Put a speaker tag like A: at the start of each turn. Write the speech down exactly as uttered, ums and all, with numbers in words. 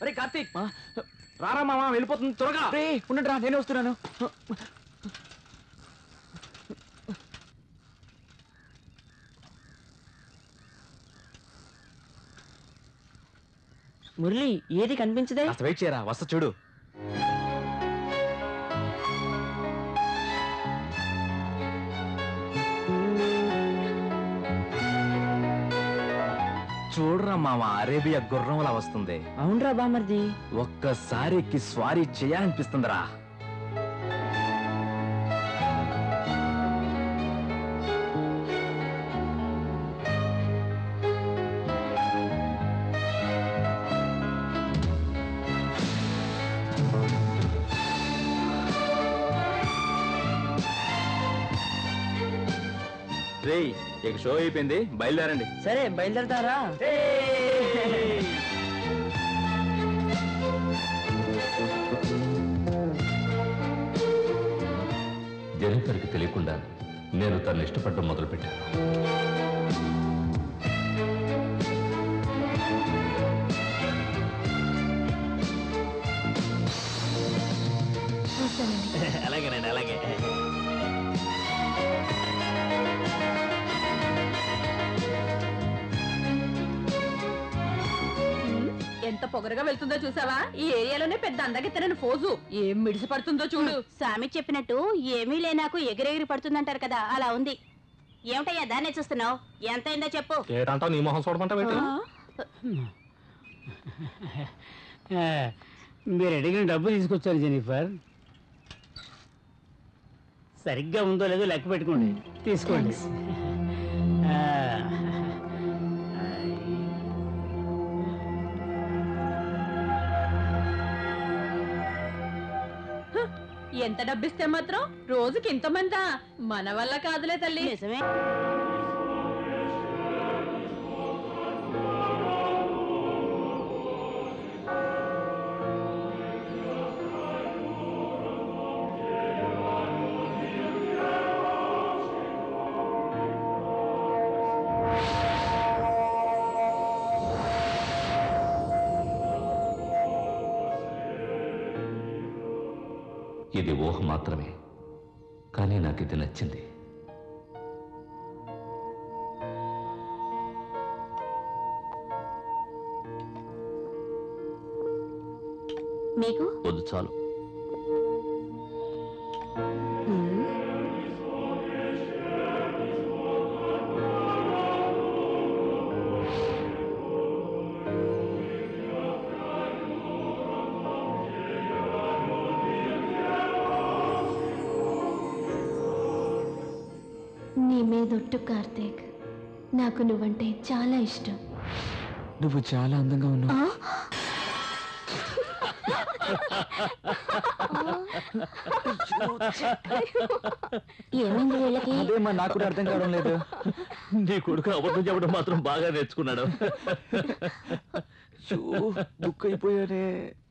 A: అరే కార్తీక్ రారా మామ వెళ్ళిపోతుంది త్వరగా. ఉండండి రా నేనే వస్తున్నాను.
B: మురళి ఏది కనిపించదే?
A: అసలు వెయిట్ చేయరా వస్తా చూడు. చూడరా మామ అరేబియా గుర్రంలా వస్తుంది.
B: అవునరా బామర్ది,
A: ఒక్కసారి ఎక్కి స్వారీ చేయాలనిపిస్తుందిరా. రేయ్ ఇక షో అయిపోయింది, బయలుదేరండి.
B: సరే బయలుదేరతారా?
C: జెనిఫర్కి తెలియకుండా నేను తను ఇష్టపడడం మొదలుపెట్టాను.
A: అలాగేనండి అలాగే.
D: ఎంత పొగరగా వెళ్తుందో చూసావా? ఈ ఏరియాలోనే పెద్ద అందగెత్తనని ఫోజు. ఏం మిడిసి పడుతుందో చూడు.
E: స్వామి చెప్పినట్టు ఏమీ లేనాకు ఎగిరెగిరి పడుతుందంటారు కదా, అలా ఉంది. ఏమిటయ్యా దాన్నే చూస్తున్నావు? ఎంత అయిందో చెప్పు.
C: ఏటంటావు? నీ మొహం చూడమంటావు?
F: మీరు అడిగిన డబ్బు తీసుకొచ్చారు జెనిఫర్. సరిగ్గా ఉందో లేదో లెక్క పెట్టుకోండి, తీసుకోండి.
D: ఎంత డబ్బిస్తే మాత్రం రోజుకి ఇంతమందా? మన వల్ల కాదులే తల్లి.
E: నిజమే.
C: ఇది ఊహ మాత్రమే, కానీ నాకు ఇది నచ్చింది.
E: మీకు
C: వద్దు చాలు.
G: నీ మీదొట్టు కార్తీక్, నాకు నువ్వంటే చాలా ఇష్టం.
A: నువ్వు చాలా అందంగా ఉన్నావు.
E: ఏమైంది వీళ్ళకి?
A: అదేమా నాకు కూడా అర్థం కావడం లేదు.
C: నీ కొడుకు అబద్ధం చెప్పడం మాత్రం బాగా నేర్చుకున్నాడు.
A: బుక్ అయిపోయానే.